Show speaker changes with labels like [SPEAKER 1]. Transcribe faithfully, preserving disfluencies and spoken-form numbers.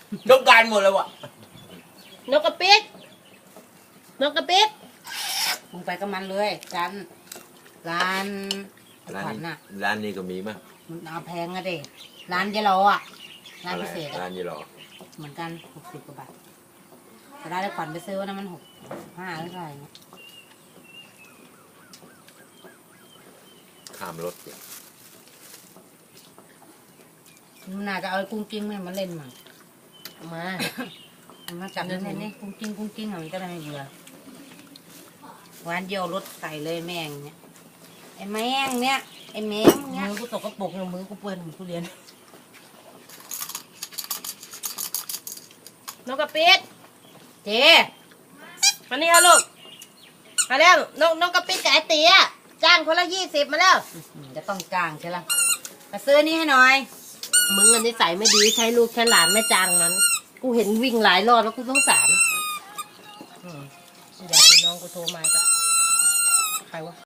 [SPEAKER 1] จบการหมดเลยวะ
[SPEAKER 2] นกกระปิดนกกระปิด
[SPEAKER 3] มึงไปกับมันเลยร้านร้านขวัญน่ะ
[SPEAKER 1] ร้านนี้ก็มีมั้ย
[SPEAKER 3] มันเอาแพงอะเด็ร้านเยลโลอ่ะร้านพิเศษ
[SPEAKER 1] ร้านยี่หรอ
[SPEAKER 3] เหมือนกันหกสิบกว่าบาทแต่ร้านขวัญไปซื้อว่านั้นมันหกห้าหรือเท่าไหร่เนี่ย
[SPEAKER 1] ข้ามรถ
[SPEAKER 3] มันน่าจะเอากุ้งกิ้งมาเล่นมั้ง
[SPEAKER 2] มา
[SPEAKER 3] มาจับเล่นนี่กุ้งกิ้งกุ้งกิ้งอะไรก็ได้ไม่เบื่อวันเดียวรถใส่เลยแมงเนี่ยไอ้แมงเนี่ยไอ้แมงเนี่ย
[SPEAKER 2] มือกูตกกระปุกมือกูเปื้อนกูเรียนนกกระปิด
[SPEAKER 3] เจ๊
[SPEAKER 2] มานี่ค่ะลูกมาแล้วนกนกกระปิดกับไอ้เตี๋ยจ้างคนละยี่สิบมาแล้ว
[SPEAKER 3] จะต้องจ้างใช่ไหมมาซื้อนี่ให้หน่อย
[SPEAKER 2] มึงอันนี้ใส่ไม่ดีใช้ลูกใช้หลานไม่จ้างมันกูเห็นวิ่งหลายรอบแล้วกูสงสารอยากเป็นน้องกูโทรมาก็ใครวะ